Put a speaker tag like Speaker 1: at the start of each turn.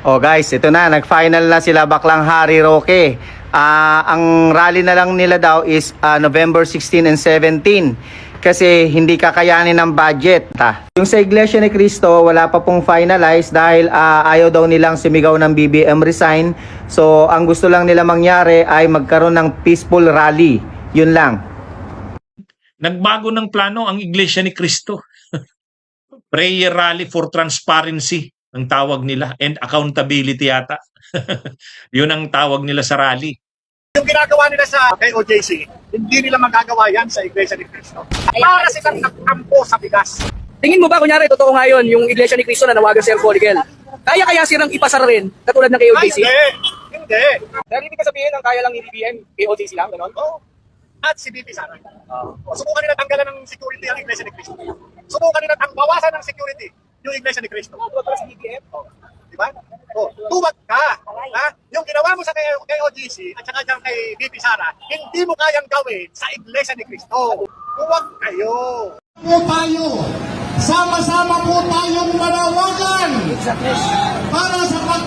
Speaker 1: Oh guys, ito na, nag-final na sila Baklang Hari Roque. Ang rally na lang nila daw is November 16 and 17 kasi hindi kakayanin ng budget. Yung sa Iglesia ni Cristo, wala pa pong finalize dahil ayaw daw nilang sumigaw ng BBM resign. So, ang gusto lang nila mangyari ay magkaroon ng peaceful rally. Yun lang.
Speaker 2: Nagbago ng plano ang Iglesia ni Cristo. Prayer Rally for Transparency ang tawag nila, and accountability yata. Yun ang tawag nila sa rally.
Speaker 3: Yung ginagawa nila sa KOJC, hindi nila magagawa yan sa Iglesia ni Cristo. Para silang nagtampo sa bigas.
Speaker 4: Tingin mo ba, kunyari, totoo ngayon yung Iglesia ni Cristo na nawagan si Fornikel? Kaya silang ipasar rin, katulad ng KOJC?
Speaker 3: Hindi.
Speaker 4: Dahil ibig sabihin ang kaya lang ni BBM, KOJC lang, gano'n?
Speaker 3: Oo. At si BP Sara. Subukan nila tanggalan ng security ang Iglesia ni Cristo. Subukan nila bawasan ng security yung Iglesia ni Cristo.
Speaker 4: Para sa BBM?
Speaker 3: Di ba? Tuwag ka. Ha? Yung ginawa mo sa KOGC at saka dyan kay BP Sara, hindi mo kayang gawin sa Iglesia ni Cristo. Tuwag kayo.
Speaker 5: Po tayo, sama-sama po tayong manawagan para sa